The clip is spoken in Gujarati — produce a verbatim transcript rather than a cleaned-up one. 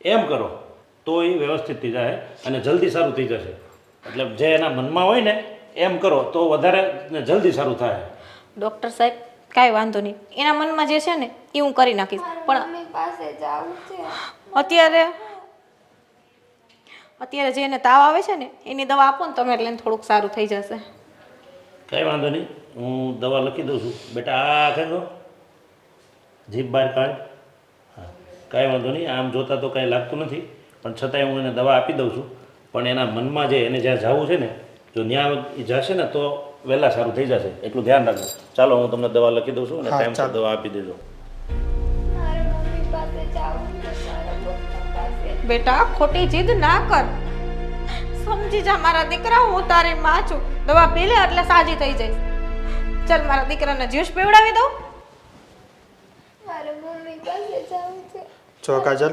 એમ કરો તો એ વ્યવસ્થિત થઈ જાય અને જલ્દી સારું થઈ જશે. એટલે જે એના મનમાં હોય ને એમ કરો તો વધારે ને જલ્દી સારું થાય. ડૉક્ટર સાહેબ કાંઈ વાંધો નહીં, એના મનમાં જે છે ને એ હું કરી નાખીશ. પણ મમ્મી પાસે જાવું છે. અત્યારે અત્યારે જે એને તાવ આવે છે ને એની દવા આપો ને તમે એટલે એને થોડુંક સારું થઈ જશે. કાંઈ વાંધો નહીં, હું દવા લખી દઉં છું. બેટા આ ખેંચો, જીભ બહાર કાઢ. હા કાંઈ વાંધો નહીં, આમ જોતાં તો કાંઈ લાગતું નથી, પણ છતાંય હું એને દવા આપી દઉં છું. પણ એના મનમાં જે એને જ્યાં જવું છે ને, જો ત્યાં એ જશે ને તો વહેલા સારું થઈ જશે, એટલું ધ્યાન રાખજો. ચાલો હું તમને દવા લખી દઉં છું અને ટાઈમ પર દવા આપી દેજો. મારે મમ્મી પાસે જાવું છે, મારા પપ્પા પાસે. બેટા ખોટી જીદ ના કર, સમજી જા મારા દીકરા, હું તારી માં છું. દવા પી લે એટલે સાજી થઈ જઈશ. ચાલ મારા દીકરાને જ્યુસ પીવડાવી દઉં. મારે મમ્મી પાસે જાવું છે. જો કાજલ